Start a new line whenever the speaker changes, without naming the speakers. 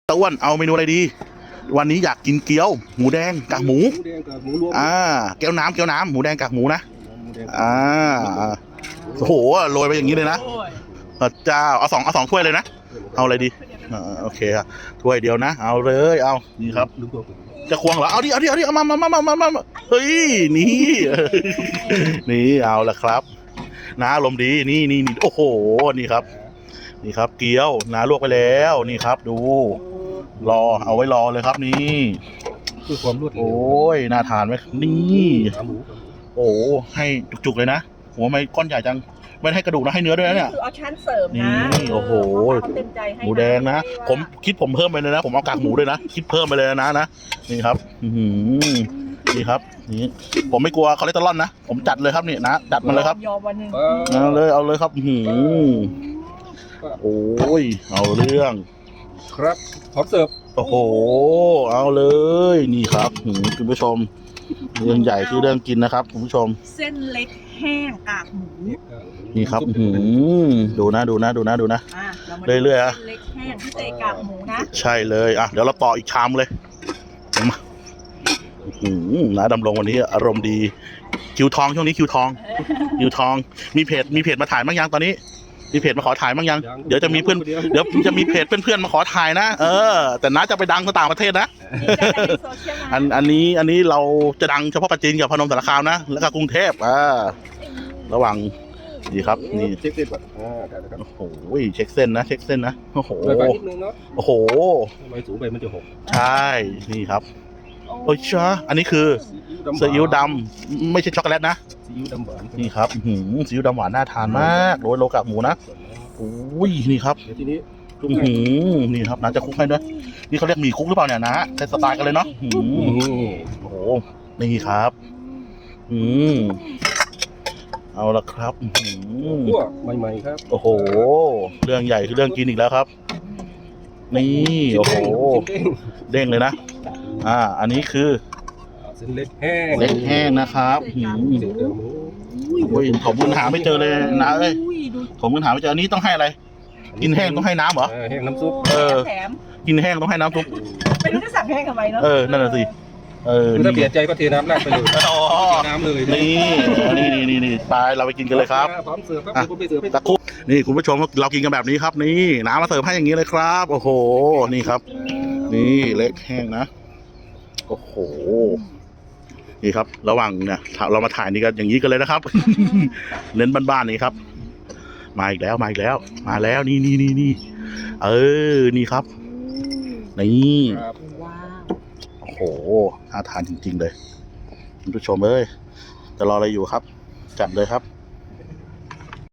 ตะอ้วนเอาเมนูอะไรดีวันนี้อยากกินเกี๊ยวหมูแดงกากหมูแก้วน้ำหมูแดงกากหมูนะโอ้โหโรยไปอย่างนี้เลยนะพระเจ้าเอาสองถ้วยเลยนะเอาอะไรดีโอเคครับถ้วยเดียวนะเอาเลยเอานี่ครับจะควงเหรอเอาดิเอามาเฮ้ยนี่เอาละครับน้าอารมณ์ดีนี่โอ้โหนี่ครับเกี๊ยวน้าลวกไปแล้วนี่ครับดูรอเอาไว้รอเลยครับนี่
คือความรวดเร็ว
โอ้ยน่าทานไหมนี่โอ้ให้จุกๆเลยนะหัวไม่ก้อนใหญ่จังไม่ให้กระดูกนะให้เนื้อด้วยนะเนี่ย
คือเอาชั้นเสริมนะ
นี่โอ้โหหมูแดงนะผมเพิ่มไปเลยนะผมเอากากหมูด้วยนะคิดเพิ่มไปเลยนะนี่ครับนี่ครับนี่ผมไม่กลัวคอเลสเตอรอลนะผมจัดเลยครับนี่นะจัดมาเลยครับ
ยอมวันหนึ่ง
เอาเลยครับโอ้ยเอาเรื่อง
ครับพร้อมเสิร์ฟ
โอ้โหเอาเลยนี่ครับคุณผู้ชมเรื่องใหญ่คือเรื่องกินนะครับคุณผู้ชม
เส้นเล็กแห้งกากหมู
นี่ครับดูนะเรื่อยๆ
เส้นเล็กแห้งที่ใส่กากหมูนะ
ใช่เลยเดี๋ยวเราต่ออีกชามเลยมานะดำรงวันนี้อารมณ์ดีคิวทองช่วงนี้คิวทองมีเพจมาถ่ายบ้างยังตอนนี้มีเพจมาขอถ่ายบ้างยังเดี๋ยวจะมีจะมีเพจเพื่อนๆมาขอถ่ายนะแต่น้าจะไปดังต่างประเทศนะอันนี้เราจะดังเฉพาะปัจจินกับพนมสารคามนะแล้วก็กรุงเทพระหว่างดีครับนี่
เช็คเส้นก่อน
โอ้โหเช็คเส้นนะโอ้โหโอ้โห
ลอยสูงไปมันจะหก
ใช่นี่ครับโอ้ยช้าอันนี้คือซีอิ๊วดำไม่ใช่ช็อกโกแลตนะ
ซีอิ๊วดำหวาน
นี่ครับซีอิ๊วดำหวานน่าทานมากโรกากหมูนะโอ้ยนี่ครับ
ทีนี้
นี่ครับน้าจะคุกให้ด้วยนี่เขาเรียกหมี่คุกหรือเปล่าเนี่ยนะใช้สไตล์กันเลยเนาะโอ้โหนี่ครับเอาละครับ
คั่วใหม่ๆครับ
โอ้โหเรื่องใหญ่คือเรื่องกินอีกแล้วครับนี่โอ้โหเด้งเลยนะอันนี้คือ
เส้นเล็กแห้
งนะครับโอ้ยผมมึงหาไม่เจอเลยนะผมมึงหาไม่เจออันนี้ต้องให้อะไรกินแห้งต้องให้น้ำเหรอ
แห้งน้ำซุป
กินแห้งต้องให้น้ำซุป
ไม่รู้จะสั่งแห้งทำไมเนาะ
นั่นน่ะสิ
ถ้าเปลี่ยนใจก็เทน้ำราดไปเลยน้ำเลย
นี่ไปเราไปกินกันเลยครับ
พร้อมเสิร์ฟครับผมไปเสิร์ฟให้
ตะคุบนี่คุณผู้ชมเรากินกันแบบนี้ครับนี่น้ำมาเสิร์ฟให้อย่างนี้เลยครับโอ้โหนี่ครับนี่เล็กแห้งนะโอ้โหนี่ครับระหว่างเนี่ยเรามาถ่ายนี่กันอย่างนี้กันเลยนะครับ เน้นบ้านๆนี่ครับมาอีกแล้วมาแล้วนี่นี่ครับนี่โอ้โหน่าทานจริงๆเลยคุณผู้ชมจะรออะไรอยู่ครับจัดเลยครับ